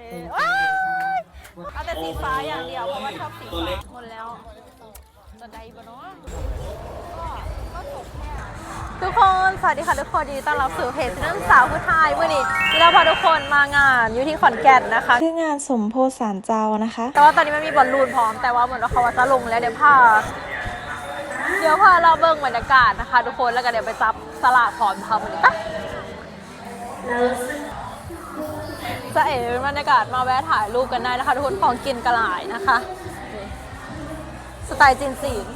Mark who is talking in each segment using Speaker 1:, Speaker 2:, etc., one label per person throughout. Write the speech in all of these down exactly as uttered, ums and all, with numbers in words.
Speaker 1: ว้ายเอาแต่สีฟ้าอย่างเดียวเพราะว่าชอบสีฟ้าหมดแล้วจะได้ปะเนาะก็ก็จบแค่ทุกคนสวัสดีค่ะทุกคนยินดีต้อนรับสู่เพจนักศึกษาผู้ไทยวันนี้เราพาทุกคนมางานอยู่ที่ขอนแก่นนะคะ
Speaker 2: คืองานสมโพธิสารเจ้านะคะ
Speaker 1: แต่ว่าตอนนี้ไม่มีบอลลูนพร้อมแต่ว่าเหมือนว่าเขาว่าจะลงแล้วเดี๋ยวพาเดี๋ยวพาเราเบิ่งบรรยากาศนะคะทุกคนแล้วก็เดี๋ยวไปจับสลากพร้อมทำวันนี้ปะจะเอ๋บรรยากาศมาแวะถ่ายรูปกันได้นะคะทุกคนของกินกระหลายนะคะสไตล์จีนสีน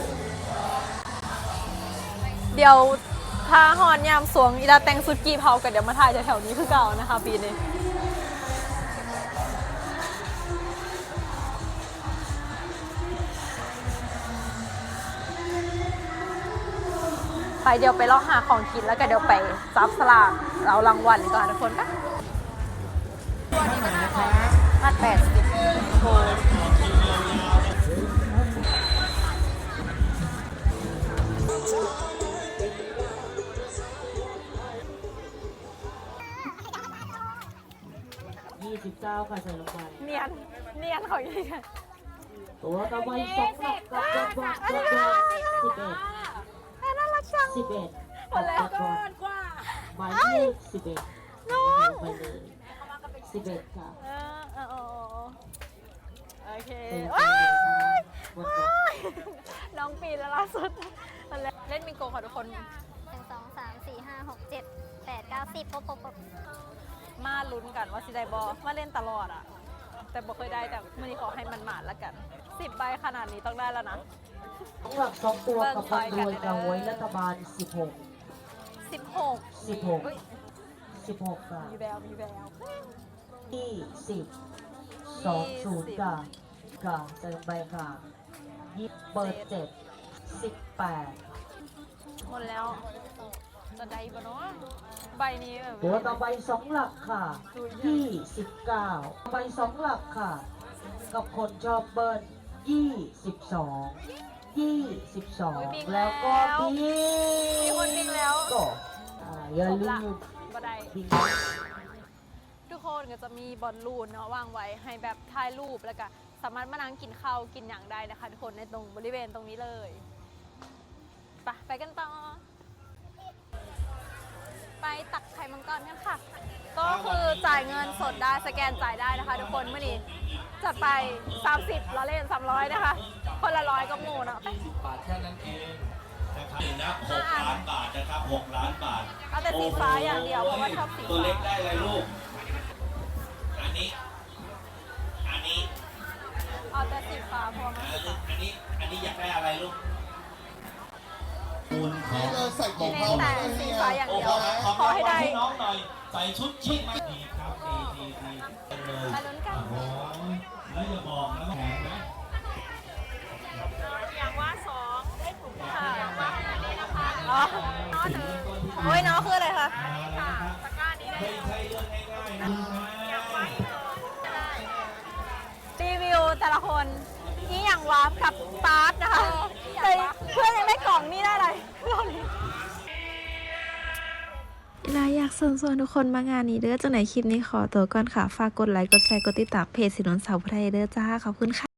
Speaker 1: เดี๋ยวถ้าฮอนยามสวงอีดาแตงสุดกีเผากันเดี๋ยวมาถ่ายแถวๆนี้คือเก่านะคะปีนี้ไปเดี๋ยวไปลองหาของกินแล้วก็เดี๋ยวไปซับสลากเรารางวัลก่อนทุกคนปะตัวนี้มันมัดแปดสิบโอ้
Speaker 3: ยี่สิบเก้าค่ะใส่ลงไป
Speaker 1: เนียนเนียนของยี่กัน
Speaker 3: ตัวต่อไปสองหลักกับจังหวัดสิบเอ็ดสิบเอ็ด
Speaker 1: น่ารักจัง
Speaker 3: สิบเอ็ด
Speaker 1: หมดแล้วก่อนกว่า
Speaker 3: หมายเลขสิบเอ็ดน้องไปเลยสิบเอ็ดค่ะ
Speaker 1: เออเออโอเคน้องปีแล้วล่าสุดเล่นมิงโกค่ะทุกคน
Speaker 4: หนึ่งสองสามสี่ห้าหกเจ็ดแปดเก้าสิบปุ๊บปุ๊บปุ๊บ
Speaker 1: มาลุ้นกันว่าสิได้บอมาเล่นตลอดอ่ะแต่บ่เคยได้แต่มื่อนี้ขอให้มันหมาดแล้วกันสิบใบขนาดนี้ต้องได้แล้วนะ
Speaker 3: สองหลักสองตัวกับพันรวยกับหวยรัฐบาลสิบหก
Speaker 1: สิบหก
Speaker 3: สิบหกสิบหกค่ะ
Speaker 1: มีแววมีแวว
Speaker 3: ยี่สิบสองศูนย์ค่ะค่ะใส่ลงไปค่ะยี่เปิดเจ็ดสิบแปด
Speaker 1: หมดแล้วจะได้ปะเนาะใบนี้แบบ
Speaker 3: ตัวต่อไปสองหลักค่ะยี่สิบเก้าไปสองหลักค่ะกับคนชอบเบิ้ลยี่สิบสองยี่สิบสองแล้วก็
Speaker 1: มี
Speaker 3: พี่
Speaker 1: คนบิงแล้ว
Speaker 3: ก็อย่าลืม
Speaker 1: ก็ได้ทุกคนก็จะมีบอลลูนเนาะวางไว้ให้แบบถ่ายรูปแล้วก็สามารถมานั่งกินข้าวกินอย่างได้นะคะทุกคนในตรงบริเวณตรงนี้เลยไปไปกันต่อไปตักไข่มังกรกันค่ะก็คือจ่ายเงินสดได้สแกนจ่ายได้นะคะทุกคนเมื่อนี้จัดไปสามสิบเราเล่นสามร้อยนะคะคนละร้อยก็หมูเนาะ
Speaker 5: ยี่สิบบาทแค่นั้นเองนะครับนะหกล้านบาทนะครับหกล้านบาท
Speaker 1: เอาแต่สีฟ้าอย่างเดียวเพราะว่าชอบสี
Speaker 5: ตัวเล็กได้เลยลูกอันนี้อันนี้
Speaker 1: เอาแต่สีฟ้าเพราะว่า
Speaker 5: อันนี้อันนี้อยากได้อะไรลูกคุณขอ
Speaker 1: ใส่ของเขาแต่สีฟ้าอย่างเดียวขอให้ได้
Speaker 5: น้องหน่อยใส่ชุดชิคมาดีครับดีดีดีเลย
Speaker 1: มาลุ้นกัน
Speaker 5: แล้วอย่าบอกนะแข็งนะ
Speaker 1: อย่างว่าสองได้ถูกค่ะอย่างว่าอันนี้นะคะอ๋อน้อหนึ่งโอ้ยน้อคืออะไรคะค่ะตะกร้านี้ได้
Speaker 5: ไม่ใช่เรื่องง่ายๆนะ
Speaker 1: อย่างว่ารีวิวแต่ละคนนี่อย่างวาร์ปกับปาร์ตนะคะแต่เพื่อนยังได้กล่องนี่ได้อะไรเรานี้
Speaker 2: เราอยากเชิญชวนทุกคนมางานนี้เด้อจังไหนคลิปนี้ขอตัวก่อนค่ะฝากกดไลค์กดแชร์กดติดตามเพจสินนท์สาวผู้ไทยเด้อจ้าขอบคุณค่ะ